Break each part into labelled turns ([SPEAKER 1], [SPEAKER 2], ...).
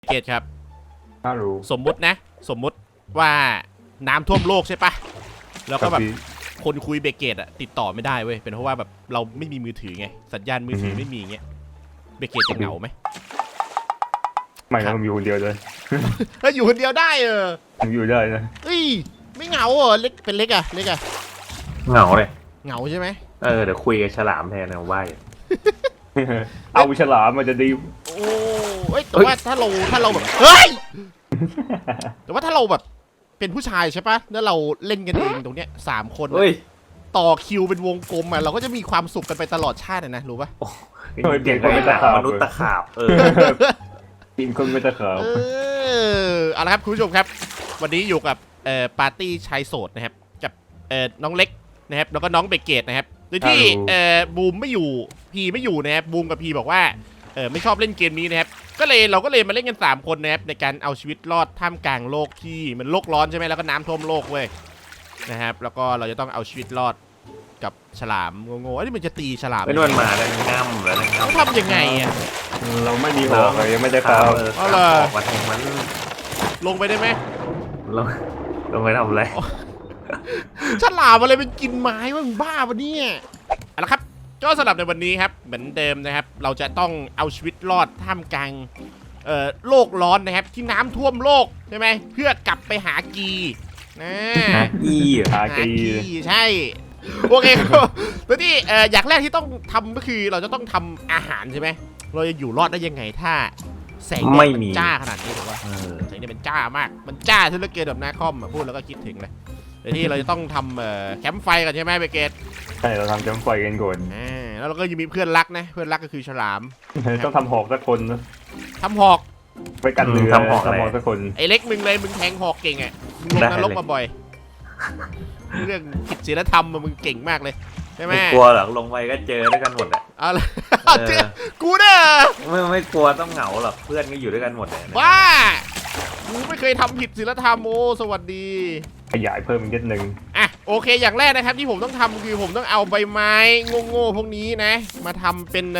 [SPEAKER 1] เกตครับ
[SPEAKER 2] ถ้ารู้
[SPEAKER 1] สมมุติว่าน้ำท่วมโลกใช่ปะแล้วก็แบบคนคุยเบเกตอะติดต่อไม่ได้เว้ยเป็นเพราะว่าแบบเราไม่มีมือถือไงสัญญาณมือถือไม่มีเงี้ยเบเกตจะเหงาไหม
[SPEAKER 2] ไม่นะผมอยู่คนเดียวเลย
[SPEAKER 1] ถ้าอยู่คนเดียวได้
[SPEAKER 2] ผมอยู่ได้นะ
[SPEAKER 1] เฮ้ยไม่เหงาเหรอเล็กเป็นเล็กอะ
[SPEAKER 3] เหงาเลย
[SPEAKER 1] เหงาใช่ไหม
[SPEAKER 3] เดี๋ยวคุยกับฉลามแทนนะว่าอยู่
[SPEAKER 2] เอาฉลามมันจะดี
[SPEAKER 1] โอ้ยแต่ว่าถ้าเราแบบเฮ้ยแต่ว่าถ้าเราแบบเป็นผู้ชายใช่ปะแล้วเราเล่นกันเองตรงเนี้ย3 คนต่อคิวเป็นวงกลมอะเราก็จะมีความสุขกันไปตลอดชาตินะรู้ปะ
[SPEAKER 3] เก่งคนไม่ตะขามนุษย์ตะขาบ
[SPEAKER 2] กินคนไม่ตะขาบ
[SPEAKER 1] เอาละครับคุณผู้ชมครับวันนี้อยู่กับปาร์ตี้ชายโสดนะครับกับน้องเล็กนะครับแล้วก็น้องเบเกตนะครับโดยที่บูมไม่อยู่พีไม่อยู่นะครับบูมกับพีบอกว่าไม่ชอบเล่นเกมนี้นะครับเราก็เลยมาเล่นกัน3 คนนะครับในการเอาชีวิตรอดท่ามกลางโลกที่มันโลกร้อนใช่ไหมแล้วก็น้ำท่วมโลกเว้ยนะครับแล้วก็เราจะต้องเอาชีวิตรอดกับฉลามงงๆนี่มันจะตีฉลาม
[SPEAKER 3] เป็นวันมาแล้วง่ำแล้ว
[SPEAKER 1] เขาทำยังไงอ่ะ
[SPEAKER 2] เราไม่มีหอกเลยยังไม่ได้ข่าว
[SPEAKER 3] เอาเลยมาแทงมัน
[SPEAKER 1] ลงไปได้ไหม
[SPEAKER 3] ลงไปทำอะไร
[SPEAKER 1] ฉลามอะไรเป็นกินไม้วะมึงบ้าปะเนี่ยเอาละครับก็สำหรับในวันนี้ครับเหมือนเดิมนะครับเราจะต้องเอาชีวิตรอดท่ามกลางโลกร้อนนะครับที่น้ำท่วมโลกใช่ไหมเพื่อกลับไปหากี
[SPEAKER 3] หากี
[SPEAKER 1] ใช่โอเคครับแล้วที่อย่างแรกที่ต้องทำก็คือเราจะต้องทำอาหารใช่ไหมเราจะอยู่รอดได้ยังไงถ้าแสงแดดมันจ้าขนาดนี้หรือว่าแสงแดดมันจ้ามากมันจ้าที่เหลือเกินแบบหน้าคอมพูดแล้วก็คิดถึงเลยเดี๋ยวที่เราจะต้องทำแคมป์ไฟกันใช่ไหมเบเกต
[SPEAKER 2] ใช่เราทำแคมป์ไฟกันก่อน
[SPEAKER 1] แล้วเราก็ยังมีเพื่อนรักนะเพื่อนรักก็คือฉลาม
[SPEAKER 2] ต้องทำหอกสักคนนะ
[SPEAKER 1] ทำหอก
[SPEAKER 2] ไปกันเรือ
[SPEAKER 3] ทำหอก
[SPEAKER 2] สักคน
[SPEAKER 1] ไอ้เล็กมึงเลยมึงแทงหอกเก่งอ่ะมึงลงนรกมาบ่อยเรื่องผิดศีลธรรมมึงเก่งมากเลยใช่ไหม
[SPEAKER 3] กลัวหรอกลงไปก็เจอด้วยกันหมดอะ
[SPEAKER 1] กูเนี่ย
[SPEAKER 3] ไม่กลัวต้องเหงาหรอกเพื่อนก็อยู่ด้วยกันหมดเลย
[SPEAKER 1] ว้ากูไม่เคยทำผิดศีลธรรมโอ้สวัสดี
[SPEAKER 2] ขยายเพิ่มอีกนิดนึง
[SPEAKER 1] อ่ะโอเคอย่างแรกนะครับที่ผมต้องทำคือผมต้องเอาใบไม้โง่ๆพวกนี้นะมาทำเป็น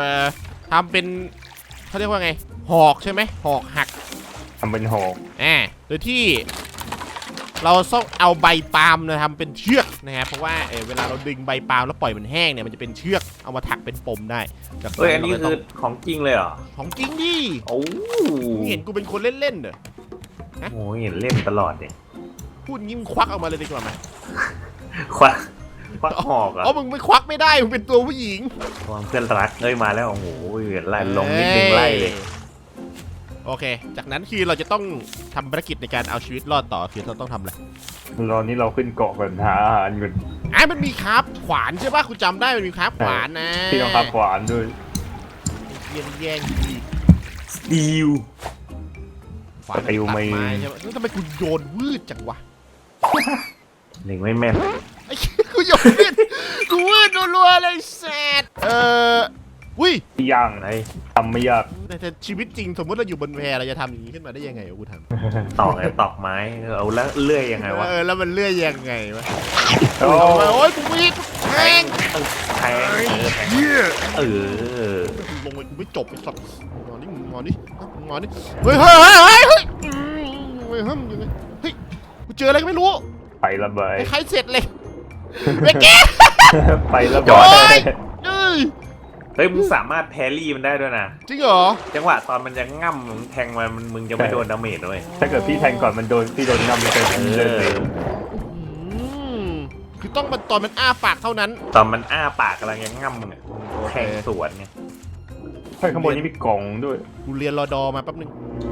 [SPEAKER 1] เขาเรียกว่าไงหอกใช่ไหมหอกหัก
[SPEAKER 2] ทำเป็นหอก
[SPEAKER 1] โดยที่เราต้องเอาใบปาล์มนะทำเป็นเชือกนะครับเพราะว่าเวลาเราดึงใบปาล์มแล้วปล่อยมันแห้งเนี่ยมันจะเป็นเชือกเอามาถักเป็นปมได้
[SPEAKER 3] อันนี้คือของจริงเลยเหรอ
[SPEAKER 1] ของจริงดิ
[SPEAKER 3] โอ้
[SPEAKER 1] เห็นกูเป็นคนเล่นๆเหรอ
[SPEAKER 3] โอ้เห็นเล่นตลอดเนี่ย
[SPEAKER 1] พูดงี้มึงควักออกมาเลยดีกว่าไหม
[SPEAKER 3] ควักหอกอ่ะ
[SPEAKER 1] มึงไม่ควักไม่ได้มึงเป็นตัวผู้หญิง
[SPEAKER 3] เพื่อนรักมาแล้วโอ้โหไล่ลงนิดนึงไล่เลย
[SPEAKER 1] โอเคจากนั้นคือเราจะต้องทำภารกิจในการเอาชีวิตรอดต่อคือเราต้องทำอะไร
[SPEAKER 2] ตอนนี้เราขึ้นเกาะก่อนหาอาหารก่อน
[SPEAKER 1] มันมีคราฟขวานใช่ป่ะคุณจำได้มันมีคราฟขวานนะ
[SPEAKER 2] ที่ต้องคราฟขวานด้วย
[SPEAKER 1] แย่ง
[SPEAKER 3] สตีล
[SPEAKER 1] ขวานตัดไม้ใช่ไหมทำไมกูโยนวืดจังวะ
[SPEAKER 3] เล็งไม่แม่น
[SPEAKER 1] กูโยนวืดรัวๆเลยแซดอุ้ย
[SPEAKER 2] ย่างไหนทำไม่ยาก
[SPEAKER 1] แต่ชีวิตจริงสมมติเราอยู่บนแพเราจะทำอย่างนี้ขึ้นมาได้ยังไงกูท
[SPEAKER 3] ำตอกไม้เอาแล้วเลื่อยยังไงวะ
[SPEAKER 1] แล้วมันเลื่อยยังไงวะโอ้ยกูมีแทงลงไปกูไม่จบไอ้สัตว์งอนนี่เฮ้ยกูเจออะไรก็ไม่รู้
[SPEAKER 2] ไประเบิด
[SPEAKER 1] ใครเสร็จเลยเบเก้
[SPEAKER 2] ไประเบิด
[SPEAKER 3] เฮ้ยมึงสามารถแพรี่มันได้ด้วยนะ
[SPEAKER 1] จริงเหรอ
[SPEAKER 3] จังหวะตอนมันจะง่ำมึงแทงมันมึงจะไม่โดนดาเมจด้วย
[SPEAKER 2] ถ้าเกิดพี่แทงก่อนมันโดนพี่โดนง่ำเลย
[SPEAKER 1] คือต้องตอนมันอ้าปากเท่านั้น
[SPEAKER 3] ตอนมันอ้าปากกำลังยังง่ำมึงแทงสวนไง
[SPEAKER 2] ข้างบนนี้มีกล่องด้วย
[SPEAKER 1] กูเรียนรอดอมาแป๊บนึง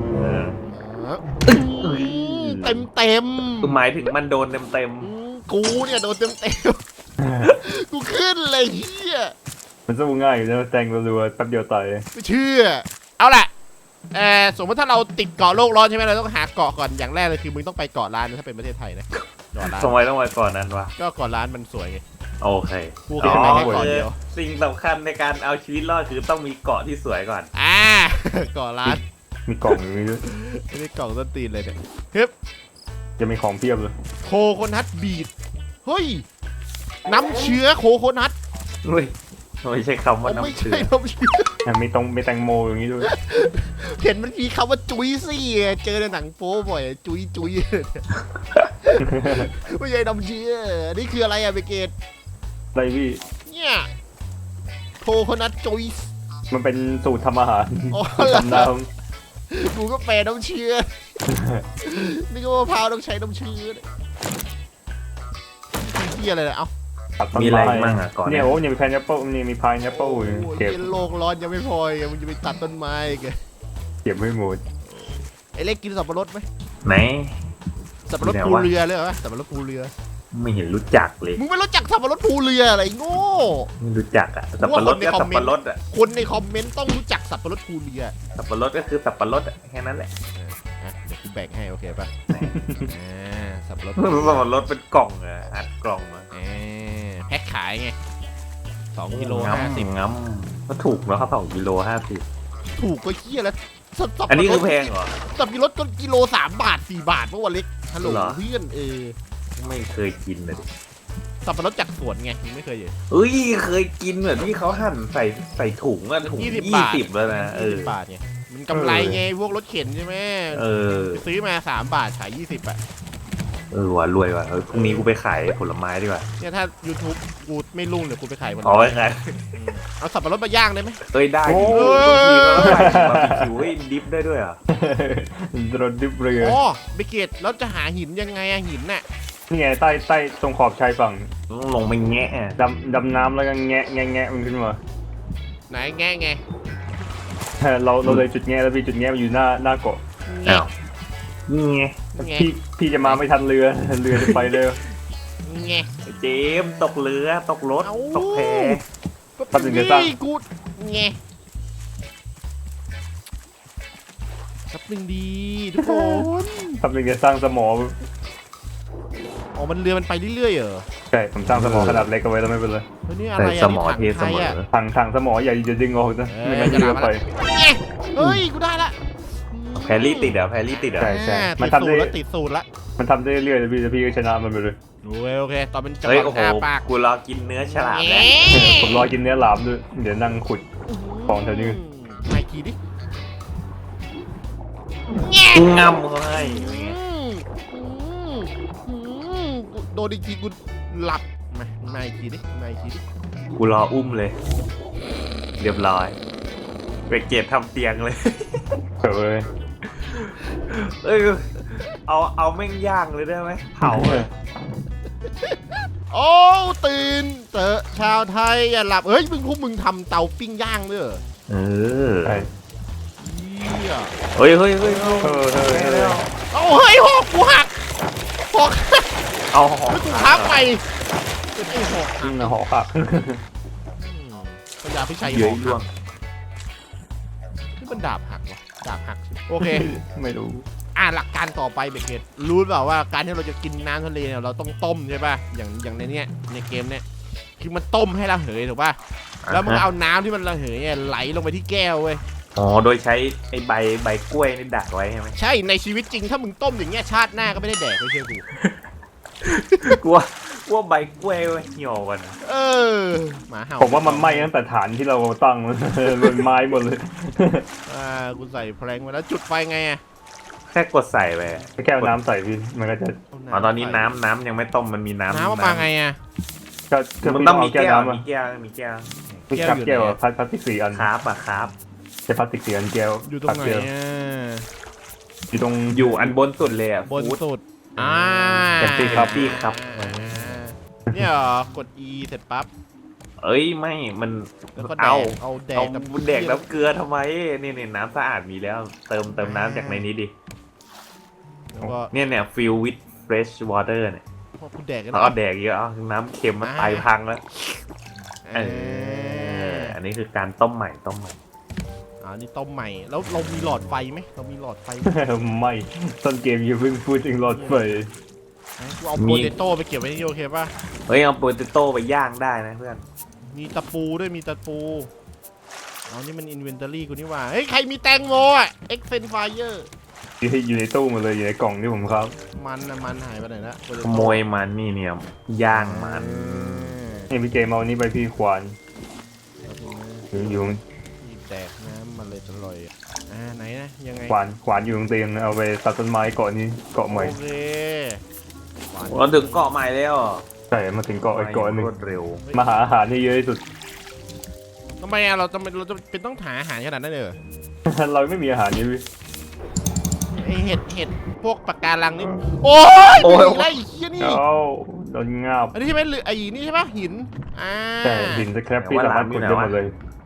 [SPEAKER 1] เต็ม
[SPEAKER 3] หมายถึงมันโดนเต็ม
[SPEAKER 1] กูเนี่ยโดนเต็มกูขึ้นเลยเฮีย
[SPEAKER 2] มันสู้ง่ายอยู่นะแทงรัวๆแป๊บเดียวตาย
[SPEAKER 1] ไม่เชื่อเอาล่ะสมมติถ้าเราติดเกาะโลกร้อนใช่ไหมเราต้องหาเกาะก่อนอย่างแรกเลยคือมึงต้องไปเกาะล้านถ้าเป็นประเทศไทยนะ
[SPEAKER 3] เกาะล้านทำไมต้องไปก่อนนั้นวะ
[SPEAKER 1] ก็เกาะล้านมันสวยไง
[SPEAKER 3] โอเค
[SPEAKER 1] กูแค่ไปแค่เกาะเดียว
[SPEAKER 3] สิ่งสำคัญในการเอาชีวิตรอดคือต้องมีเกาะที่สวยก่อน
[SPEAKER 1] เกาะล้าน
[SPEAKER 2] มีกล่องอยู่ด้วย
[SPEAKER 1] นี่กล่องต้นตีนเลยเนี่ยฮึบ
[SPEAKER 2] จะมีของเพียบเลย
[SPEAKER 1] โคโคนัทบีทเฮ้ยน้ำเชื้อโคโคนัท
[SPEAKER 3] เฮ้ยไม่ใช่คำว่า
[SPEAKER 1] ไม่
[SPEAKER 3] น้ำเชื่อ
[SPEAKER 1] ใช่น้ำเชื่อ
[SPEAKER 2] มีแตงโมอย่างนี้ด้วย
[SPEAKER 1] เห็นมันมีคำว่าจุ้ยซี่เจอในหนังโป๊บ่อยจุ้ยจุ้ยไม่ใช่น้ำเชื่อนี่คืออะไรอะเบเกต
[SPEAKER 2] อะไรพี่
[SPEAKER 1] เนี่ยโคโคนัทจุ้ย
[SPEAKER 2] มันเป็นสูตรทำอาหาร
[SPEAKER 1] อ๋อเหรอ
[SPEAKER 2] ทำน้
[SPEAKER 1] กูก็แปลน้ำเชื่อนี่ก็มะพร้าวต้องใช้น้ำเชื่อเฮียอะไรเนี่ยเอ้า
[SPEAKER 2] ำตัดต้น
[SPEAKER 3] มีอะไร
[SPEAKER 2] ไม้
[SPEAKER 3] มั่งอ่ะก่อน
[SPEAKER 2] เนี่ยโอ้เนี่ยมีแพนแอปเปิลนี่มีพายแอปเปิล
[SPEAKER 1] โอ้โห
[SPEAKER 2] เก็บ
[SPEAKER 1] โลกร้อนยังไม่พออีกมึงจะไปตัดต้นไม้อีกัน
[SPEAKER 2] เก็บไม่หมด
[SPEAKER 1] ไอ้เล็กกินสับปะรดไหม
[SPEAKER 3] ไหน
[SPEAKER 1] สับปะรด
[SPEAKER 3] ไหน
[SPEAKER 1] ภู
[SPEAKER 3] วะ
[SPEAKER 1] เรือเลยเหรอสับปะรดภูเรือ
[SPEAKER 3] ไม่เห็นรู้จักเลย
[SPEAKER 1] มึงไม่รู้จักสับปะรดภูเรืออะไรโง่
[SPEAKER 3] ไม่รู้จักอ่ะสับปะรดก็สับปะรดอ่ะ
[SPEAKER 1] คนในคอมเมนต์ต้องรู้จักสับปะรดภูเรือ
[SPEAKER 3] สับปะรดก็คือสับปะรดอ่ะแค่นั้นแหละ
[SPEAKER 1] อ่ะเดี๋ยวกูแบ่งให้โอเคป่ะสับปะรด
[SPEAKER 3] สับปะรดเป็นกล่องอ่ะอัดกล่องมา
[SPEAKER 1] แพ็คขายไง2กิโล
[SPEAKER 3] 50งั้มก็ถูกเนาะครับ2 กิโล 50
[SPEAKER 1] ถูกก็เฮี้ยแล้วสับปะรด
[SPEAKER 3] อันนี้คือแพงเหรอ
[SPEAKER 1] สับปะรดก็กิโล3 บาท 4 บาทเมื่อวันเล็กฮัลโหล
[SPEAKER 3] เหรอ
[SPEAKER 1] เพื่อน
[SPEAKER 3] ไม่เคยกินเลยดิ
[SPEAKER 1] สับปะรดจากสวนไงมึงไม่เคยเห็น
[SPEAKER 3] เอ้ยเคยกินแบบที่เขาหั่นใส่ถุงอะถุง
[SPEAKER 1] 20 บาท
[SPEAKER 3] 20แล้วนะ
[SPEAKER 1] 20 บาทไงมันกำไรไงพวกรถเข็นใช่ไหม
[SPEAKER 3] เออ
[SPEAKER 1] ซื้อมา3 บาทขาย20อ่ะ
[SPEAKER 3] ว่ะรวยว่ะพรุ่งนี้กูไปขายผลไม้ดีกว่า
[SPEAKER 1] เนี่ยถ้า YouTube กูไม่รุ่งเดี๋ยวกูไปขายมัน
[SPEAKER 3] อ๋อไปขาย
[SPEAKER 1] เอาสับปะรดมาย่างได้ไหม
[SPEAKER 3] เอ้ยได้
[SPEAKER 2] โอ้
[SPEAKER 3] ดิบางทีก็ใส่บาร์บีคิวให้ดิฟได้ด้วยอ่ะ
[SPEAKER 2] รถดิบเรือ
[SPEAKER 1] อ๋อเบเกตแล้วจะหาหินยังไงอะหินน่ะ
[SPEAKER 2] นี่ไงใต้ตรงขอบชายฝั่ง
[SPEAKER 3] ต้องลงไปแงะอะ
[SPEAKER 2] ดำน้ำแล้วก็แงะมันขึ้นมา
[SPEAKER 1] ไหนแง่ไง
[SPEAKER 2] เราเลยจุดแงะแล้วพี่จุดแงะมันอยู่หน้าเกาะ
[SPEAKER 1] แง่
[SPEAKER 3] อ้าวนี่ไง
[SPEAKER 1] แง่
[SPEAKER 2] พี่จะมาไม่ทันเรือจะไปเลย
[SPEAKER 1] แง่
[SPEAKER 3] ไอ้เจมส์ตกเรือตกรถ
[SPEAKER 1] เอ้า
[SPEAKER 3] ตกแพ
[SPEAKER 2] แป๊บนึงจะสร้าง
[SPEAKER 1] นี่กูแง่แป๊บนึงดีทุกคน
[SPEAKER 2] ทำเป็นจะสร้างสมอ
[SPEAKER 1] อ๋อมันเรือมันไปเรื่อยๆเหรอ
[SPEAKER 2] ใช่ผมสร้างสมอขนาดเล็กเอาไว้แล้วไม่เป็นไร
[SPEAKER 1] เฮ้ยนี่อะไร
[SPEAKER 3] ใส่
[SPEAKER 1] อะ
[SPEAKER 3] สมอ
[SPEAKER 1] นี่
[SPEAKER 3] เท
[SPEAKER 1] ถัง
[SPEAKER 3] เส
[SPEAKER 1] ไทย
[SPEAKER 3] ม
[SPEAKER 1] อะ
[SPEAKER 3] อ
[SPEAKER 2] ถังสมออย่าดึงออกนะไม่งั้น
[SPEAKER 1] จะ
[SPEAKER 2] เรือ
[SPEAKER 1] ด่า
[SPEAKER 2] ไป
[SPEAKER 1] มาแล้วแง่เฮ้ยกูได้ละ
[SPEAKER 3] แพรรี่ติดเหรอแพรรี่ติดเหรอ
[SPEAKER 2] ใช่
[SPEAKER 1] มั
[SPEAKER 2] มัน น
[SPEAKER 1] ทำ
[SPEAKER 2] ทำได้
[SPEAKER 1] ได้ติดสูตรละ
[SPEAKER 2] มันทำได้เรื่อยๆพี่ก็ชนะมันไปเลย
[SPEAKER 1] โอเคตอนเป็นจัง
[SPEAKER 3] เฮ้ย
[SPEAKER 1] ห
[SPEAKER 3] โอ้
[SPEAKER 1] วะ
[SPEAKER 3] โห
[SPEAKER 1] อ้าปาก
[SPEAKER 3] กูรอกินเนื้อฉลามแล้ว
[SPEAKER 2] ผมรอกินเนื้อหลามด้วยเดี๋ยวนั่งขุด ของแถวนี้
[SPEAKER 1] มาอีกทีดิ
[SPEAKER 3] ง่ำเขาให้
[SPEAKER 1] โดนอีกทีกูหลับมาอีกทีดิมาอีกทีดิ
[SPEAKER 3] กูรออุ้มเลย เรียบร้อยเบรกเกตทำเตียงเลย
[SPEAKER 2] เผลอ
[SPEAKER 3] เอ้ยเอาแม่งย่างเลยได้ไหมเผาเลย
[SPEAKER 1] โอ้ตื่นเตอะชาวไทยอย่าหลับเฮ้ยพวกมึงทำเตาปิ้งย่างด้วยเหรอ
[SPEAKER 3] เออ
[SPEAKER 2] ใช่
[SPEAKER 1] เหี้ย
[SPEAKER 3] เฮ้ย
[SPEAKER 2] เฮ้ย
[SPEAKER 1] เอาเฮ้ยหอกกูหักหอก
[SPEAKER 3] เอาหอ
[SPEAKER 1] แล้วกูค้าไปเป็นไอ้หอกหัก
[SPEAKER 2] หอคัก
[SPEAKER 1] พยาพิชัยห
[SPEAKER 3] เย
[SPEAKER 1] อ
[SPEAKER 3] อะ
[SPEAKER 1] ก
[SPEAKER 3] ล่ว
[SPEAKER 1] หั
[SPEAKER 3] ง
[SPEAKER 1] กนี่มันดาบหักวะดาบหักโอเค
[SPEAKER 2] ไม่รู้
[SPEAKER 1] หลักการต่อไปเบเกตรู้เปล่าว่าการที่เราจะกินน้ำทะเลเนี่ยเราต้องต้มใช่ป่ะอย่างในเนี้ยในเกมเนี้ยคือมันต้มให้ระเหยถูกป่ะแล้วมึงเอาน้ำที่มันระเหยเนี่ยไหลลงไปที่แก้วเว้ย
[SPEAKER 3] อ๋อโดยใช้ไอ้ใบกล้วยนี่ดักไว้ใช่ไหม
[SPEAKER 1] ใช่ในชีวิตจริงถ้ามึงต้มอย่างเงี้ยชาติหน้าก็ไม่ได้แดกไม่เชื่อกู
[SPEAKER 3] กลัวใบกล้วยไว้เหี่ยวกัน
[SPEAKER 1] เออหมาเห่า
[SPEAKER 2] ผมว่ามันไหม้ตั้งแต่ฐานที่เราตั้งมันไม้หมดเลย
[SPEAKER 1] กูใส่แพลงมาแล้วจุดไฟไงอะ
[SPEAKER 3] แค่กดใส่ไป
[SPEAKER 2] แก้วน้ำใส่พี่มันก็จะ
[SPEAKER 3] อ๋อตอนนี้น้ำยังไม่ต้มมันมีน้ำ
[SPEAKER 1] น้ำมาไงอะ
[SPEAKER 2] ก็
[SPEAKER 3] มันต้องมีแก้ว
[SPEAKER 2] น้ำอะ
[SPEAKER 3] มีแก้วมีแก้ว
[SPEAKER 2] มีกับแก้วอะพลาสติก4 อัน
[SPEAKER 3] คราบอะครับ
[SPEAKER 2] ใช้พลาสติก4 อันแก้ว
[SPEAKER 1] อยู่ตรงไหนอะ
[SPEAKER 2] อยู่ตรง
[SPEAKER 3] อยู่อันบนสุดเลยอะ
[SPEAKER 1] บน
[SPEAKER 3] ฟู้ด
[SPEAKER 1] สุด
[SPEAKER 3] แต่ตีครับพี่ครับ
[SPEAKER 1] เนี่ยเหรอกด E เสร็จปั๊บ
[SPEAKER 3] เอ้ยไม่มัน
[SPEAKER 1] แล้วก็แด
[SPEAKER 3] เอา
[SPEAKER 1] กเอาแด
[SPEAKER 3] เอา
[SPEAKER 1] กกับ
[SPEAKER 3] แดกน้ำเกลือทำไมนี่น้ำสะอาดมีแล้ว เติมน้ำจากในนี้ดิ
[SPEAKER 1] แล้วก็
[SPEAKER 3] เนี่ย fill with fresh water เนี่ย
[SPEAKER 1] พอกูแดกกัน
[SPEAKER 3] แล้วก็แดกเยอะเอาน้ำเค็มมันไตพังแล้ว
[SPEAKER 1] เออ
[SPEAKER 3] อันนี้คือการต้มใหม่
[SPEAKER 1] นี่ต้มใหม่แล้วเรามีหลอดไฟไหมเรามีหลอดไฟไหม
[SPEAKER 2] ไม่ต้นเกมอย่าเพิ่งพูดถึงหลอดไฟ
[SPEAKER 1] กูเอาโปเตโต้ไปเก็บไว้ที่โอเคป่ะ
[SPEAKER 3] เฮ้ยเอาโปเตโต้ไปย่างได้นะเพื่อน
[SPEAKER 1] มีตะปูด้วยมีตะปูนี่มันอินเวนทอรี่กูนี่หว่าเฮ้ยใครมีแตงโมอ่ะเอ็กเซนไฟเออร์
[SPEAKER 2] อยู่ในตู้หมดเลยอยู่ในกล่องที่ผมครับ
[SPEAKER 1] มันหายไปไหนละ
[SPEAKER 3] ขโมยมันนี่เนี่ยย่างมัน
[SPEAKER 2] นี่พี่เกมเอานี่ไปพี่ควานอยู่
[SPEAKER 1] มีแดกน้ำมันเลยอร่อยไหนนะยังไง
[SPEAKER 2] ขวานอยู่ตรงเตียงเอาไปตัดต้นไม้เกาะนี้เกาะใหม่
[SPEAKER 1] โอเค
[SPEAKER 3] เราถึงเกาะใหม่แล้ว
[SPEAKER 2] ใช่มาถึงเกาะอีกเกาะหนึ่ง
[SPEAKER 3] รวดเร็ว
[SPEAKER 2] มาหาอาหารให้เยอะที่สุด
[SPEAKER 1] ทำไมเราจะเป็นต้องหาอาหารขนาดนั้นเลยเหรอ
[SPEAKER 2] เราไม่มีอาหารนี่พี่
[SPEAKER 1] ไอเห็ดพวกปากการังนี่โอ้ยมีอะไรอีกเหี้ยนี่
[SPEAKER 2] เอ้าโดนงาบ
[SPEAKER 1] อันนี้ใช่ไหมหรือไอ้นี่ใช่ปะหิน
[SPEAKER 2] ใช่หินสแครปพี่สามารถขุดได้หมดเลย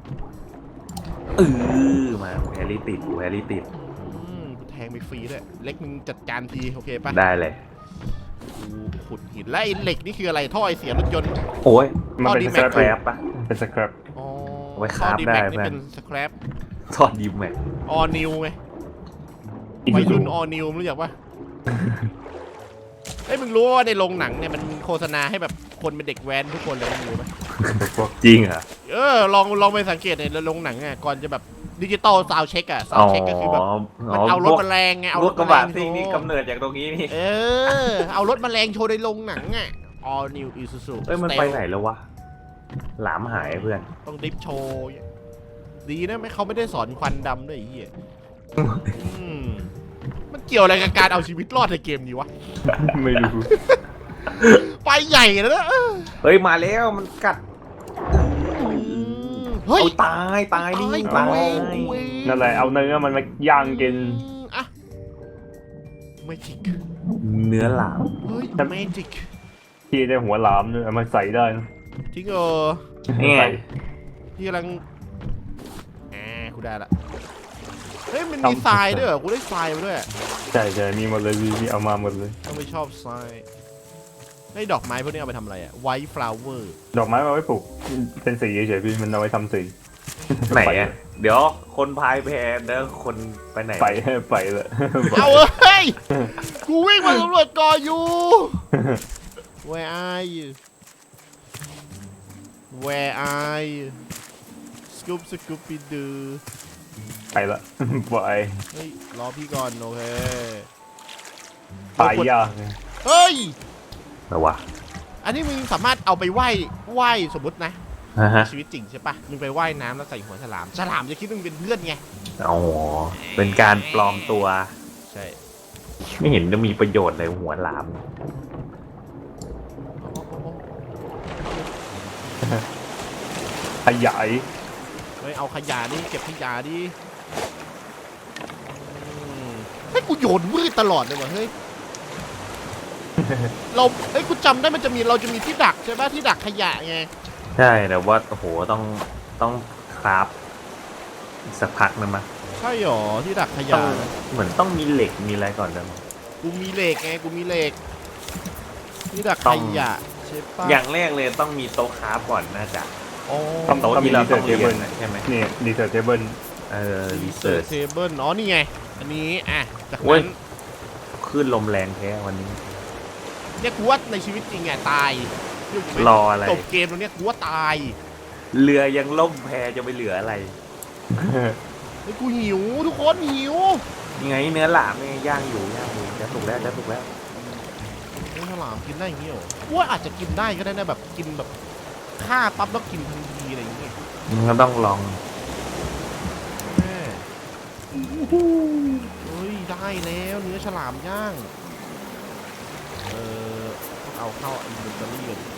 [SPEAKER 3] มาแฮร์รี่ติดแฮร์รี่ติด
[SPEAKER 1] แทงไปฟรีด้วยเล็กมึงจัดการทีโอเคปะ
[SPEAKER 3] ได้เลย
[SPEAKER 1] กูขุดหินแล้วไอ้เหล็กนี่คืออะไรท่อไอเสียรถยนต์
[SPEAKER 3] โอ้ย
[SPEAKER 2] มันเป็น
[SPEAKER 1] ดี
[SPEAKER 2] ส
[SPEAKER 1] แม็
[SPEAKER 2] แคร
[SPEAKER 1] ก
[SPEAKER 2] ป
[SPEAKER 3] แครปปะ
[SPEAKER 2] เป็นสแครป
[SPEAKER 1] อ๋อ
[SPEAKER 3] เอาไว้คราฟ
[SPEAKER 1] ท่อดีแม็ก
[SPEAKER 3] ได้
[SPEAKER 1] นี่
[SPEAKER 3] เพื่อน
[SPEAKER 1] เป็นสแครป
[SPEAKER 3] ทอดดิมแม็ก
[SPEAKER 1] ออนิวไงวัยรุ่นออนิวรู้จักปะเอ้ยมึงรู้ว่าในโรงหนังเนี่ยมันโฆษณาให้แบบคนเป็นเด็กแว้นทุกคนเลยมึงรู้ไหม
[SPEAKER 3] จริงเหรอ
[SPEAKER 1] ลองไปสังเกตในโรงหนังอ่ะก่อนจะแบบดิจิตอลซาวด์เช็คอะซาวด์เช็คก็คือแบบมันเอารถแมลงไงเอา
[SPEAKER 3] ร
[SPEAKER 1] ร
[SPEAKER 3] ถ
[SPEAKER 1] ถ
[SPEAKER 3] กระ
[SPEAKER 1] แมล
[SPEAKER 3] บะ
[SPEAKER 1] ง
[SPEAKER 3] ซิ่งนี่
[SPEAKER 1] โชว์
[SPEAKER 3] กำเนิดจากตรงนี้นี่
[SPEAKER 1] เอารถแมลงโชว์ในโรงหนังอ่ะ All New Isuzu
[SPEAKER 3] เอ้ยมันไปไหนแล้ววะหลามหายเพื่อน
[SPEAKER 1] ต้องดิฟโชว์ดีนะไม่เขาไม่ได้สอนควันดำด้วยไอ้เหี้ยมันเกี่ยวอะไรกับการเอาชีวิตรอดในเกมนี้วะ
[SPEAKER 2] ไม่รู้
[SPEAKER 1] ไปใหญ่แล้วนะ
[SPEAKER 3] เฮ้ยมาแล้วมันกัด
[SPEAKER 1] เฮ้ย
[SPEAKER 3] เอาตายนี่ตาย
[SPEAKER 2] นั่นแหละเอาเนื้อมันมาย่างกิน
[SPEAKER 1] อะเมจิก
[SPEAKER 3] เนื้อหลาม
[SPEAKER 1] เฮ้ยเมจิก
[SPEAKER 2] ที่ได้หัวหลามด้วยเอามาใส่ได้นะ
[SPEAKER 1] จริงเหรอ
[SPEAKER 3] นี่ไง
[SPEAKER 2] ใส่
[SPEAKER 1] พี่กำลังกูได้ละเฮ้ยมันมีทรายด้วยเหรอกูได้ทรายมาด้วย
[SPEAKER 2] ใช่มีหมดเลยมีเอามาหมดเลย
[SPEAKER 1] ต้องไม่ชอบทรายไอ้ดอกไม้พวกนี้เอาไปทำอะไรอะ White flower
[SPEAKER 2] ดอกไม้มาไว้ปลูกเป็นสีเฉยๆพี่มันเอาไว้ทำสี
[SPEAKER 3] ไหนอะเดี๋ยวคนพายแพเด้อคนไปไหน
[SPEAKER 2] ไปเลย
[SPEAKER 1] เอาเฮ้ย กูวิ่งมาสำรวจก่ออยู่ Where are you Where are you Scooby Doo
[SPEAKER 2] ไปละไป
[SPEAKER 1] เฮ้ยรอพี่ก่อนโอเค
[SPEAKER 2] ตายยาก
[SPEAKER 1] เฮ้ย
[SPEAKER 3] แต่ว่า
[SPEAKER 1] อันนี้มึงสามารถเอาไปไหว้สมมตินะ
[SPEAKER 3] ฮะ
[SPEAKER 1] ชีวิตจริงใช่ปะมึงไปว่ายน้ำแล้วใส่หัวฉลามฉลามจะคิดว่ามึงเป็นเพื่อนไง
[SPEAKER 3] อ๋อเป็นการปลอมตัว
[SPEAKER 1] ใช่
[SPEAKER 3] ไม่เห็นจะมีประโยชน์เลยหัวหลาม
[SPEAKER 2] ขยาย
[SPEAKER 1] เฮ้ยเอาขยะดิเก็บขยะดิให้กูโยนมืดตลอดเลยวะเฮ้ย เฮ้ยกูจำได้เราจะมีที่ดักใช่ปะที่ดักขยะไง
[SPEAKER 3] ใช่แต่ว่าโอ้โหต้องคราฟอีกสักพักนึงมั้ย
[SPEAKER 1] ใช่หรอที่ดักข
[SPEAKER 3] ต้
[SPEAKER 1] ยะ
[SPEAKER 3] องเหมือนต้องมีเหล็กมีอะไรก่อนนะ
[SPEAKER 1] กูมีเหล็กไงกูมีเหล็กที่ดักขยะใช่ปะ
[SPEAKER 3] อย่างแรกเลยต้องมีโต๊ะคราฟก่อนน่าจะ
[SPEAKER 1] อ๋อ
[SPEAKER 3] โต๊ะที่เราต้องเรียนนะใช่ไหม
[SPEAKER 2] นี่ดีเซอร์เทเบิล
[SPEAKER 3] รีเสิร์ช
[SPEAKER 1] เทเบิลอ๋อนี่ไงอันนี้จาก
[SPEAKER 3] โอ้ย
[SPEAKER 1] นั้น
[SPEAKER 3] คลื่นลมแรงแท้วันนี้
[SPEAKER 1] เนี่ยกูว่าในชีวิตจริงตายเชื่อกูไหม
[SPEAKER 3] รออะไร
[SPEAKER 1] จบเกมตรงเนี้ยกูว่าตาย
[SPEAKER 3] เรือยังล่มแพจะไปเหลืออะไร
[SPEAKER 1] เฮ้ยกูหิวทุกคนหิว
[SPEAKER 3] ยังไงเนื้อหลามเนี่ยย่างอยู่จะสุกแล้ว
[SPEAKER 1] เฮ้ยฉลามกินได้อย่างงี้เหรอกูว่าอาจจะกินได้ก็ได้นะแบบกินแบบฆ่าปั๊บแล้วกินทันทีอะไรอย่างเงี้ย
[SPEAKER 3] มึงก็ต้องลอง
[SPEAKER 1] แม่เฮ้ยได้แล้วเนื้อฉลามย่างต้องเอาเข้าอินเวนทอรี่กัน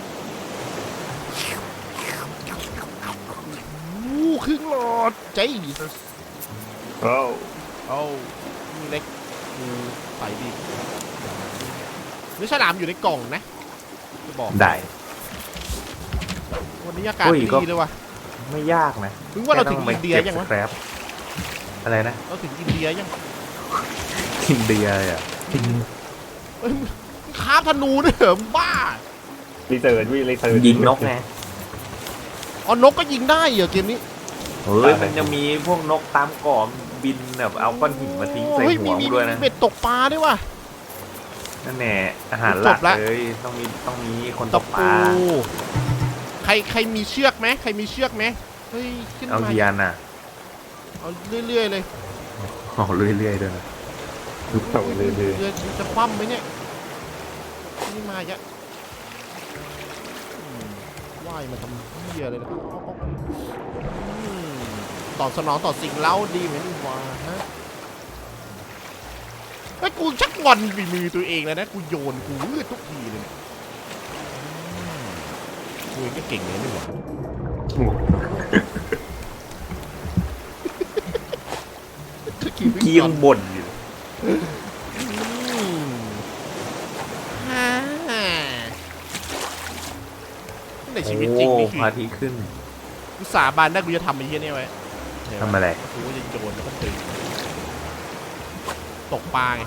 [SPEAKER 1] ครึ่งหลอดใจดี
[SPEAKER 2] โอ้
[SPEAKER 1] เอามีเล็กใส่ดีเนื้อฉลามอยู่ในกล่องนะจะบอก
[SPEAKER 3] ได้
[SPEAKER 1] วันนี้อากาศ
[SPEAKER 3] อุ้ยก็
[SPEAKER 1] ดีเลยว่ะ
[SPEAKER 3] ไม่ยากนะ
[SPEAKER 1] ถึงว่าเราถึงอินเดียยัง
[SPEAKER 3] วะ
[SPEAKER 1] วะ
[SPEAKER 3] ครับอะไรนะ
[SPEAKER 1] เราถึงอินเดียยัง
[SPEAKER 3] อินเดียเลยอ่ะ
[SPEAKER 1] เฮ้ยมึงค้าบธนูด้วยเหรอมึงบ้า
[SPEAKER 2] รีเสิร์ชรีเสิร์ช
[SPEAKER 3] ยิงนกไง
[SPEAKER 1] อ๋อนกก็ยิงได้เหรอเกมนี้
[SPEAKER 3] เฮ้ยมันจะมีพวกนกตามเกาะบินแบบเอาก้อนหินมาทิ้งใส่
[SPEAKER 1] เฮ้ย
[SPEAKER 3] หัวมึงด้วยนะ
[SPEAKER 1] มีเบ็ดตกปลาด้วยว่ะ
[SPEAKER 3] นั่นแน่อาหารหลัก
[SPEAKER 1] จบละ
[SPEAKER 3] เลยต้องมีคนต
[SPEAKER 1] ต
[SPEAKER 3] ก
[SPEAKER 1] ก
[SPEAKER 3] ป
[SPEAKER 1] ปู
[SPEAKER 3] ลา
[SPEAKER 1] ใครมีเชือกไหมใครมีเชือกไหมเฮ้ยขึ้น
[SPEAKER 3] เอา
[SPEAKER 1] มา
[SPEAKER 3] เยียนอ่ะ
[SPEAKER 1] เอาเรื่อยๆเลย
[SPEAKER 3] เอาเรื่อยๆด้วยนะ
[SPEAKER 2] ส่งเลย
[SPEAKER 1] เรือจะคว่ำไหมเนี่ยนี่มาเยอะว่ายมาทำเหี้ยเลยนะตอบสนองต่อสิ่งเล้าดีเหมือนว่าฮะไอ้กูชักงอนฝีมือตัวเองแล้วนะกูโยนกูวืดทุกทีเลยเนี่ยกูเองก็เก่งเลยนี่หว่า
[SPEAKER 3] กี้ยังบ่นอยู่
[SPEAKER 1] ฮ่าในชีวิตจริงนี่คือ
[SPEAKER 3] พระอาทิตย์ขึ้น
[SPEAKER 1] กูสาบานได้กูจะทำไอ้เหี้ยนี่ไว้
[SPEAKER 3] ทำอะไร
[SPEAKER 1] กูจะโยนแล้วก็ดึงตกปลาไง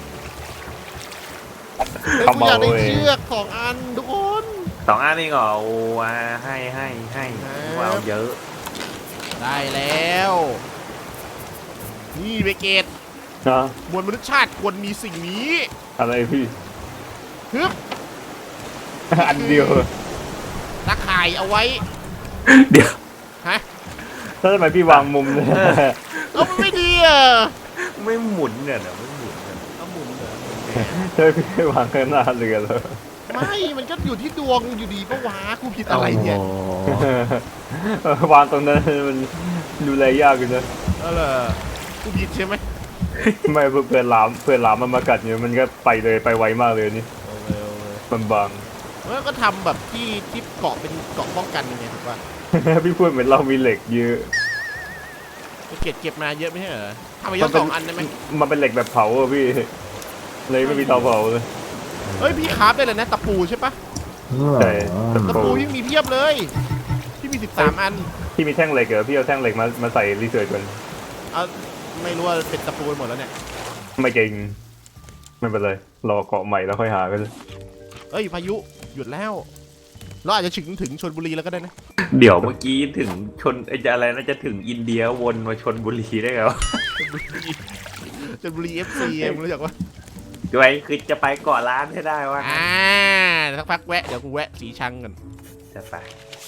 [SPEAKER 1] แล้วกูอยากได้เชือก2 อันทุกคน
[SPEAKER 3] 2 อันนี่เหรอโอ้ให้ว้าวเยอะ
[SPEAKER 1] ได้แล้ว นี่เบเกต
[SPEAKER 2] นะ
[SPEAKER 1] มวลมนุษยชาติควรมีสิ่งนี้
[SPEAKER 2] อะไรพี่
[SPEAKER 1] ฮึบ
[SPEAKER 2] อันเดียว
[SPEAKER 1] ตะข่ายเอาไว้
[SPEAKER 3] เดี๋ยว
[SPEAKER 1] ฮะ
[SPEAKER 2] แล้วทำไมพี่วางมุมเนี่ย
[SPEAKER 1] เอามันไม่ดีอ่ะ
[SPEAKER 3] ไม่หมุนเนี่ยเดี๋ยวไม่หมุนเนี่ย
[SPEAKER 1] เอาหมุนเหรอ
[SPEAKER 2] ใช่พี่วางข้างหน้าเรือเลย
[SPEAKER 1] ไม่มันก็อยู่ที่ดวงอยู่ดีปะวะกูผิดอะไรเนี่ย
[SPEAKER 2] วางตรงนั้นมันดูแลยากอยู่นะ
[SPEAKER 1] เออเหรอกูผิดใช่ไหม
[SPEAKER 2] ไม่เพื่อนหลามมันมากัดเนี่ยมันก็ไปเลยไปไวมากเลยนี่
[SPEAKER 1] โอเคโอเค
[SPEAKER 2] มันบาง
[SPEAKER 1] แล้วก็ทำแบบที่เกาะเป็นเกาะป้องกันยังไงถูกป่ะ
[SPEAKER 2] พี่พูดเหมือนเรามีเหล็กเยอะ
[SPEAKER 1] เก็บมาเยอะไม่ใช่เหรอทำไปเยอะ2 อันได้ไหม
[SPEAKER 2] มันเป็นเหล็กแบบเผาอะพี่เลยไม่มีเตาเผาเลย
[SPEAKER 1] เฮ้ยพี่คราฟได้เลยนะตะปูใช่ปะ
[SPEAKER 2] ใช่
[SPEAKER 1] ตะปูยังมีเพียบเลยพี่มี13 อัน
[SPEAKER 2] ที่มีแท่งเหล็กเหรอพี่เอาแท่งเหล็กมาใส่รีเสิร์ชก่อน
[SPEAKER 1] เอาไม่รู้ว่าเป็นตะปูหมดแล้วเนี่ย
[SPEAKER 2] ไม่เก่งไม่เป็นไรรอเกาะใหม่แล้วค่อยหากัน
[SPEAKER 1] เอ้ยพายุหยุดแล้วเราอาจจะถึงชลบุรีแล้วก็ได้นะ
[SPEAKER 3] เดี๋ยวเมื่อกี้ถึงชนอะไรน่าจะถึงอินเดียวนมาชนบุรีได้ไงวะ
[SPEAKER 1] ชลบุรี FC มึงรู้จักปะ
[SPEAKER 3] ด้วยคือจะไปเกาะล้านให้ได้วะ
[SPEAKER 1] สักพักแวะเดี๋ยวกูแวะสีชังก่อน
[SPEAKER 3] จะไป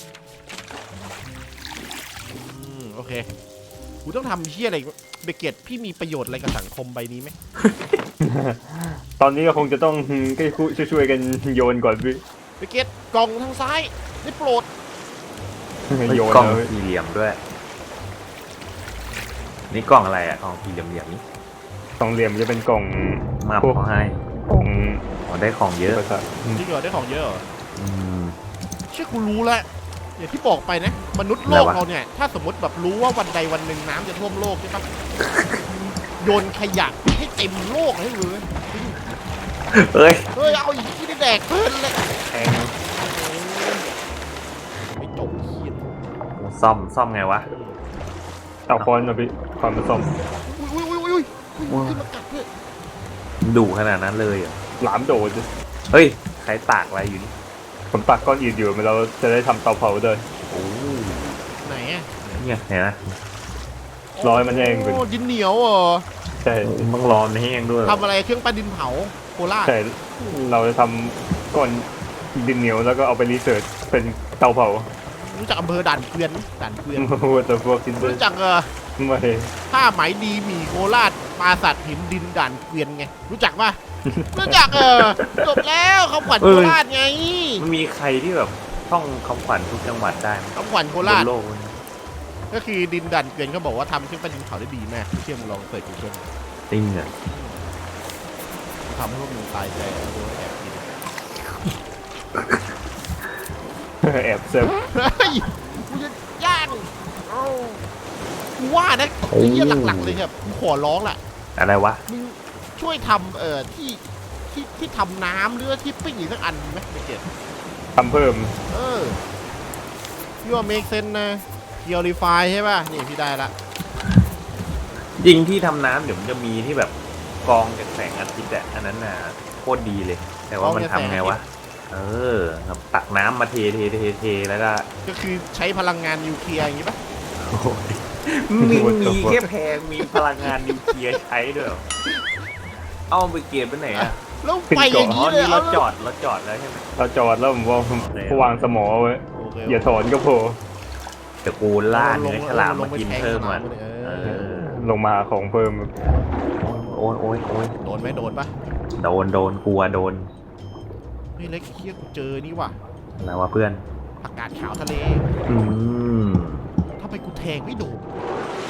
[SPEAKER 1] โอเคกูต้องทำเชี่ยอะไรเบเกตพี่มีประโยชน์อะไรกับสังคมใบนี้ไหม
[SPEAKER 2] ตอนนี้ก็คงจะต้องช่วยกันโยนก่อนพี่
[SPEAKER 1] เบเกตกล่องทางซ้ายได้โปรด
[SPEAKER 2] โยน
[SPEAKER 3] กล่อง
[SPEAKER 2] เลย
[SPEAKER 3] สี่เหลี่ยมด้วย นี่กล่องอะไรอ่ะกล่องสี่เหลี่ยมๆนี้
[SPEAKER 2] สองเหลี่ยมจะเป็นกล่อง
[SPEAKER 3] มาขอให้
[SPEAKER 2] กล่อง
[SPEAKER 3] อ๋อได้ของเยอะ
[SPEAKER 2] ภาษา
[SPEAKER 1] จริงเหรอได้ของเยอะเหรอ
[SPEAKER 3] อืม
[SPEAKER 1] เชื่อกูรู้แล้วอย่างที่บอกไปนะมนุษย์โลก
[SPEAKER 3] อะไรวะ
[SPEAKER 1] เราเนี่ยถ้าสมมติแบบรู้ว่าวันใดวันหนึ่งน้ำจะท่วมโลกใช่ปะ โยนขยะให้เต็มโลกให้เลย
[SPEAKER 3] เอ้ย
[SPEAKER 1] เฮ้ยเอาอีกที่ได้แดกเพลินเลย
[SPEAKER 3] แพง
[SPEAKER 1] ไม่จบเขียน
[SPEAKER 3] ซ่อมไงวะ
[SPEAKER 2] เอาคอนมาพี่คอนมาซ่อม
[SPEAKER 1] อุ้ยขึ้นมากัดด้วย
[SPEAKER 3] ดุขนาดนั้นเลยเหรอ
[SPEAKER 2] หลามโดด
[SPEAKER 3] เฮ้ยใครตากอะไรอยู่นี่
[SPEAKER 2] ผมตักก้อนอิฐอยู่เราจะได้ทำเตาเผาด้วย
[SPEAKER 3] โอ้
[SPEAKER 1] ไหนอ่ะ
[SPEAKER 3] เนี่ยเห็นไหม
[SPEAKER 2] รอให้มันแห้งก่อน
[SPEAKER 1] โอ้ดินเหนียวเหรอ
[SPEAKER 2] ใช่
[SPEAKER 3] ต้องรอให้แห้งด้วย
[SPEAKER 1] ทำอะไรเครื่องปั้นดินเผาโคราช
[SPEAKER 2] ใช่เราจะทำก้อนดินเหนียวแล้วก็เอาไปรีเสิร์ชเป็นเตาเผา
[SPEAKER 1] รู้จักอำเภอด่านเกวียนไหมด่านเกวียน
[SPEAKER 2] ว่าแต่พวกกินด้วย
[SPEAKER 1] รู้จัก
[SPEAKER 2] ไม่
[SPEAKER 1] ผ้าไหมดีหมี่โคราชปราสาทหินดินด่านเกวียนไงรู้จักป่ะรู้จักจบแล้วคำขวัญโคราชไง
[SPEAKER 3] มันมีใครที่แบบท่องคำขวัญทุกจังหวัดได้ไหม
[SPEAKER 1] คำขวัญโค
[SPEAKER 3] บ
[SPEAKER 1] ราช
[SPEAKER 3] นโลกนี้
[SPEAKER 1] ก็คือดินด่านเกวียนเขาบอกว่าทำเครื่องปั้นดินเผาได้ดีมากเชื่อมึงลองเสิร์ชกูเกิล
[SPEAKER 3] จริงอ่ะ
[SPEAKER 1] ทำให้พวกมึงตายใจแล้วโดนแอบกิน
[SPEAKER 2] แอบเซิร์ฟ
[SPEAKER 1] เฮ้ยกูจะย่างเอากูว่านะไอ้เหี้ยหลักๆเลยครับกูขอร้องแหละ
[SPEAKER 3] อะไรวะ
[SPEAKER 1] มึงช่วยทำที่ทำน้ำหรือว่าที่ปิ้งอีกสักอันไหมไม่เก็ต
[SPEAKER 2] ทำเพิ่ม
[SPEAKER 1] พี่ว่าเมคเซนนะเกียวรีไฟใช่ป่ะนี่พี่ได้ละ
[SPEAKER 3] จริงที่ทำน้ำเดี๋ยวมันจะมีที่แบบกรองจากแสงอาทิตย์อะอันนั้นน่ะโคตรดีเลย แต่ว่ามันทำไงวะครับตักน้ำมาเทแล้วก็
[SPEAKER 1] ก็คือใช้พลังงานนิวเคลียร์อย่างงี้ป่ะ
[SPEAKER 3] มีแค่แพงมีพลังงานนิวเคลียร์ใช้ด้วยเหรอเอาไปเก็บไปไหนอะ
[SPEAKER 1] แล้วไปอย่าง
[SPEAKER 3] อ๋อ
[SPEAKER 1] นี้เลย
[SPEAKER 3] นี่เราจอดแล้วใช่ไหม
[SPEAKER 2] เราจอดแล้วผมว่าผมวางสมอไว้
[SPEAKER 1] โอเค
[SPEAKER 2] อย่าถอนก็พอ
[SPEAKER 3] แต่กูล่าเนื้อฉลามมากินเพิ่มมัน
[SPEAKER 2] ลงมาหาของเพิ่ม
[SPEAKER 3] โอ้ย
[SPEAKER 1] โดนไหมโดนป่ะ
[SPEAKER 3] โดนกลัวโดน
[SPEAKER 1] เฮ้ยเล็กเคี้ยกูเจอนี่ว่ะ
[SPEAKER 3] อะไรวะเพื่อน
[SPEAKER 1] ผักกาดขาวทะเล
[SPEAKER 3] อืม
[SPEAKER 1] ทำไมกูแทงไม่โดน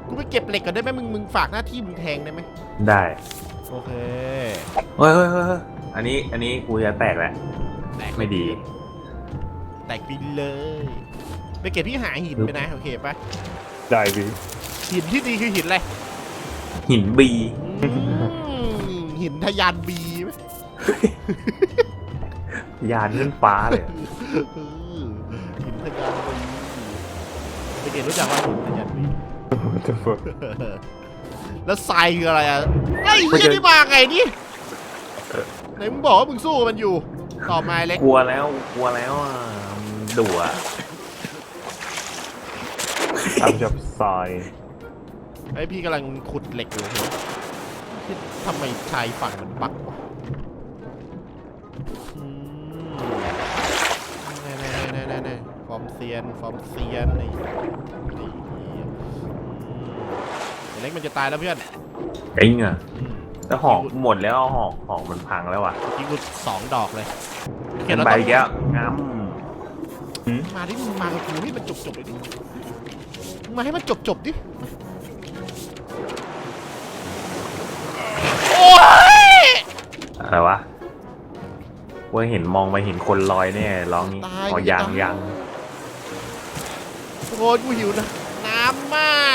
[SPEAKER 1] กูไปเก็บเหล็กก่อนได้ไหมมึงฝากหน้าที่มึงแทงได้ไหม
[SPEAKER 3] ได้
[SPEAKER 1] โอเค
[SPEAKER 3] เฮ้ยอันนี้กูจะแตกแล้ว
[SPEAKER 1] แตก
[SPEAKER 3] ไม่ดี
[SPEAKER 1] แตกไปเลยไปเก็บที่หาหินไปนะโอเคปะ
[SPEAKER 2] ได้พี่
[SPEAKER 1] หินที่ดีคือหินอะไร
[SPEAKER 3] หินบี
[SPEAKER 1] อืมหินทะยานบีไหม
[SPEAKER 3] ยานขึ้นฟ้าเลย
[SPEAKER 1] หินทะยานบีไปเก็บรู้จักว่าหินทะยานบี
[SPEAKER 2] จะฝึก
[SPEAKER 1] แล้วทรายคืออะไรอ่ะไอ้เหี้ยนี่มาไงนี่ไหนมึงบอกว่ามึงสู้มันอยู่ต่อมาเล็ก
[SPEAKER 3] กลัวแล้วอ่ะดุอ่ะ
[SPEAKER 2] ทำจับทราย
[SPEAKER 1] ไอพี่กำลังขุดเหล็กอยู่ที่ทำไมชายฝั่งมันบักวะแน่ฟอร์มเซียนไอ้เล็กมันจะตายแล้วเพื่อน
[SPEAKER 3] จริงอ่ะแต่หอกหมดแล้วหอกมันพังแล้วอ่ะ
[SPEAKER 1] ยิงกู2 ดอกเลย
[SPEAKER 3] เห็นใบแก้วงั้ม
[SPEAKER 1] มาดิมึงมากับกูให้มันจบเลยดิมึงมาให้มันจบดิโอ้ย
[SPEAKER 3] อะไรวะว่าเห็นมองไปเห็นคนลอยเนี่ยร้องนี้อ๋อยัง
[SPEAKER 1] โอ้ยกูหิวนะน้ำมาก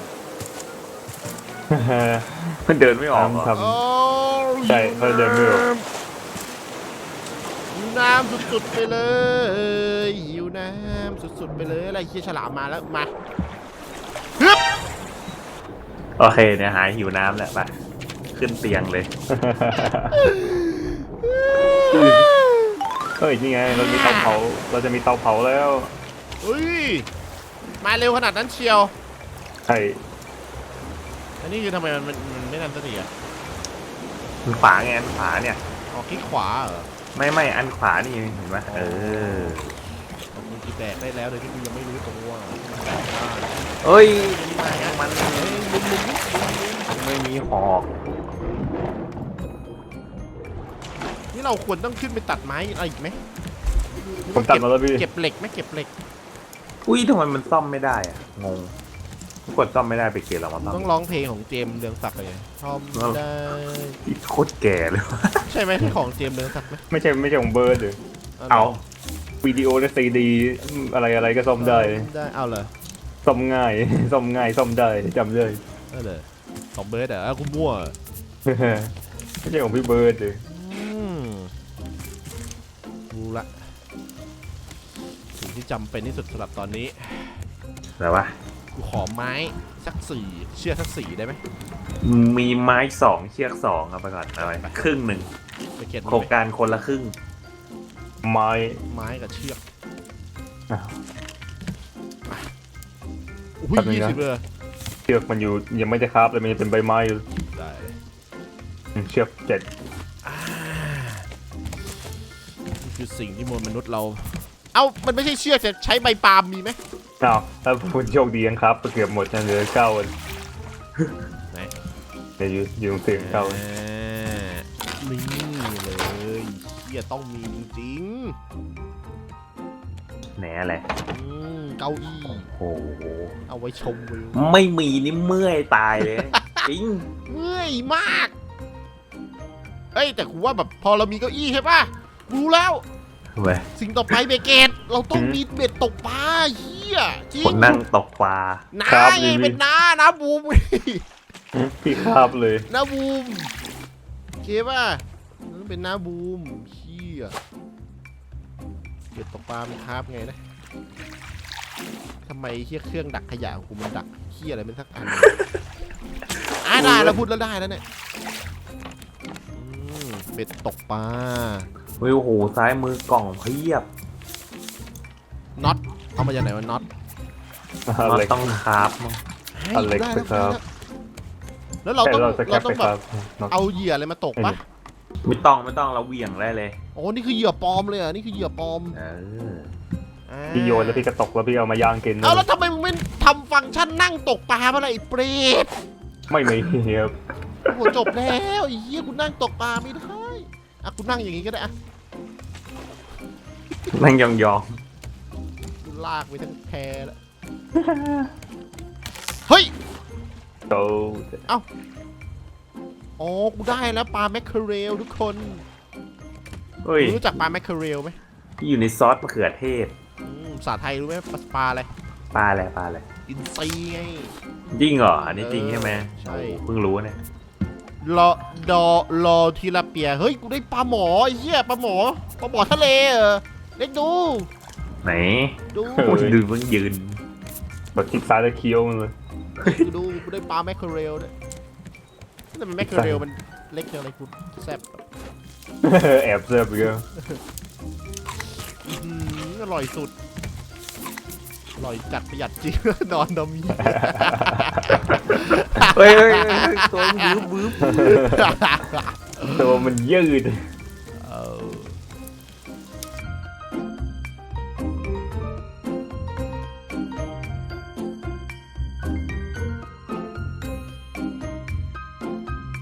[SPEAKER 3] มันเดินไม่ออกเหรอ
[SPEAKER 2] ทำ
[SPEAKER 1] โอ้ย
[SPEAKER 2] ใช่เพราะเดินไม่ออก
[SPEAKER 1] หิวน้ำสุดๆไปเลยหิวน้ำสุดๆไปเลยอะไรเคี้ยฉลามมาแล้วมาฮึบ
[SPEAKER 3] โอเคเนี่ยหายหิวน้ำแล้วไปขึ้นเตียงเลย
[SPEAKER 2] เฮ้ยนี่ไงเรามีเตาเผาเราจะมีเตาเผาแล้ว
[SPEAKER 1] เฮ้ยมาเร็วขนาดนั้นเชียว
[SPEAKER 2] ใช่
[SPEAKER 1] อันนี้คือทำไมมันไม่ทันสติอ่ะ
[SPEAKER 3] อันขวาไงอันขวาเนี่ย
[SPEAKER 1] ออกคลิกขวาเหรอ
[SPEAKER 3] ไม่อันขวานี่เห็นไหมอ
[SPEAKER 1] ของมึงกี่แตกได้แล้วโดยที่มึงยังไม่รู้ตัวแตกได้
[SPEAKER 3] เอ้ย
[SPEAKER 1] มัน มุม
[SPEAKER 3] ไม่มีหอก
[SPEAKER 1] นี่เราควรต้องขึ้นไปตัดไม้อะไรอีกไหม
[SPEAKER 2] ผมตัดมาแล้วพี่
[SPEAKER 1] เก็บเหล็กไหมเก็บเหล็ก
[SPEAKER 3] อุ้ยทำไมมันซ่อมไม่ได้อะงงกดซ่อมไม่ได้ไปเกลียเรามาซ่อม
[SPEAKER 1] ต้องร้องเพลงของเจมส์เรืองศักดิ์เลยชอบได้
[SPEAKER 3] โคตรแก่เลย
[SPEAKER 1] ใช่ไหมที่ของเจมส์เรืองศักดิ์ไหม
[SPEAKER 2] ไม่ใช่ของเบิร์ดหรือเอาวิดีโอและซีดีอะไรก็ซ่อมได้
[SPEAKER 1] ได้เอาเลย
[SPEAKER 2] ซ่อมง่าย ซ่อมได้จำเลย
[SPEAKER 1] ได้เลยของเบิร์ดอ่ะกูมั่ว
[SPEAKER 2] ไม่ใช่ของพี่เบิร์ดเลย
[SPEAKER 1] รู้ละสิ่งที่จำเป็นที่สุดสำหรับตอนนี้
[SPEAKER 3] อะไรวะ
[SPEAKER 1] กูขอไม้สัก4เชือกสัก4ได้ไหม
[SPEAKER 3] มีไม้2เชือก2ครับไปก่อนเอาไปครึ่งหนึ่ง
[SPEAKER 1] ไปเก็บ
[SPEAKER 3] โครงการคนละครึ่ง
[SPEAKER 2] ไม้
[SPEAKER 1] ไม้กับเชือก
[SPEAKER 2] อ้าว
[SPEAKER 1] อุ้ย
[SPEAKER 2] แป๊บนึงนะ
[SPEAKER 1] 20เลย
[SPEAKER 2] เชือกมันอยู่ยังไม่ได้คราฟเลยมันยังเป็นใบไม้อยู่
[SPEAKER 1] ได้เลย
[SPEAKER 2] เชือก7
[SPEAKER 1] นี่คือสิ่งที่มนุษย์เรา เอ้ามันไม่ใช่เชือกแต่ใช้ใบปาล์มมีไหม
[SPEAKER 2] อ้าวถ้าคุณโชคดียังครับเกือบหมดนะเหลือ9วัน
[SPEAKER 1] ไหน
[SPEAKER 2] เดี๋ยวอยู่ตรงเตียง9วัน
[SPEAKER 1] นี่เลยเชี่ยต้องมีจริง
[SPEAKER 3] แหนอะไร
[SPEAKER 1] เก้าอี้
[SPEAKER 3] โอ้โห
[SPEAKER 1] เอาไว้ชมวิว
[SPEAKER 3] ไม่มีนี่เมื่อยตายเลย จริง
[SPEAKER 1] เมื่อยมากเฮ้ยแต่กูว่าแบบพอเรามีเก้าอี้ใช่ป่ะรู้แล้ว
[SPEAKER 3] เว้ย
[SPEAKER 1] สิ่งต่อไปเบเกตเราต้องมีเบ็ดตกปลาเฮียจริง
[SPEAKER 3] คนนั่งตกปลา
[SPEAKER 1] น้าไงเป็นน้าบูม
[SPEAKER 2] พี่คราบเลย
[SPEAKER 1] น้าบูมโอเคป่ะนั่นเป็นน้าบูมเฮียเบ็ดตกปลามันคาบไงนะทำไมเฮียเครื่องดักขยะของกูมันดักเฮียอะไรมันสักอันได้แล้วพูดแล้วได้แล้วเนี่ยเบ็ดตกปลา
[SPEAKER 3] เฮ้ยโอ้โหซ้ายมือกล่องเพียบ
[SPEAKER 1] น็อตเอามาจากไหนวะน็อต
[SPEAKER 3] มัน
[SPEAKER 2] อะไร
[SPEAKER 3] ต้องคราฟมั้ง
[SPEAKER 2] อเล็กซ์ครับ
[SPEAKER 1] แล้วเราต้อง
[SPEAKER 2] เราจะแคป
[SPEAKER 1] ต้
[SPEAKER 2] ไป
[SPEAKER 1] อง
[SPEAKER 2] ค
[SPEAKER 1] แบ
[SPEAKER 2] รั
[SPEAKER 1] บบ เอาเหยื่ออะไรมาตกปะ
[SPEAKER 3] ไม่ต้องเราเหวี่ยงได้เลย
[SPEAKER 1] โอ้นี่คือเหยื่อปลอมเลยอ่ะนี่คือเหยื่อปลอม
[SPEAKER 3] เออ
[SPEAKER 2] พี่โยนแล้วพี่กระตกแล้วพี่เอามาย่างกิน
[SPEAKER 1] เอาแล้วทำไมมึงไม่ทำฟังก์ชันนั่งตกปลามาล่ะไอ้เปรต
[SPEAKER 2] ไม่มีครับ
[SPEAKER 1] โอ้จบแล้วไอ้เหี้ยกูนั่งตกปลาไม่ได้อ่ะกูนั่งอย่างงี้ก็ได้อ่ะ
[SPEAKER 3] นั่งยอง
[SPEAKER 1] กูลากไปทั้งแพแล้วเฮ้ย
[SPEAKER 2] โต
[SPEAKER 1] อ๋อกูได้แล้วปลาแมคเคอเรลทุกคน
[SPEAKER 3] เฮ้ย
[SPEAKER 1] รู้จักปลาแมคเคอเรลไหม
[SPEAKER 3] ที่อยู่ในซอสมะเขือเทศ
[SPEAKER 1] ภาษาไทยรู้ไหมปลาอะไร
[SPEAKER 3] ปลาอะไรปลาอะไร
[SPEAKER 1] อินซีไง
[SPEAKER 3] จริงเหรออันนี้จริงใช่ไหม
[SPEAKER 1] ใช่
[SPEAKER 3] โอ้เพิ่งรู้เนี่ย
[SPEAKER 1] รอรอทีละเปียเฮ้ยกูได้ปลาหมอไอ้เหี้ยปลาหมอทะเลเหรอเล็กดู
[SPEAKER 3] ไหน
[SPEAKER 1] ดู
[SPEAKER 3] โอ้ยดูเพิ่งยืน
[SPEAKER 2] แบบคลิกซ้ายแล้วเคี้ยวมันเลย
[SPEAKER 1] ดูกูได้ปลาแมคเคอเรลด้วยแต่มันแมคเคอเรลมันเล็กจังเลยกูแซ่บ
[SPEAKER 2] แอบเสิร์ฟเยอะ
[SPEAKER 1] อร่อยสุดอร่อยจัดประหยัดจริง นอนดมมี
[SPEAKER 3] เฮ้ยตัวบึ้บ
[SPEAKER 2] ตัวมันยืด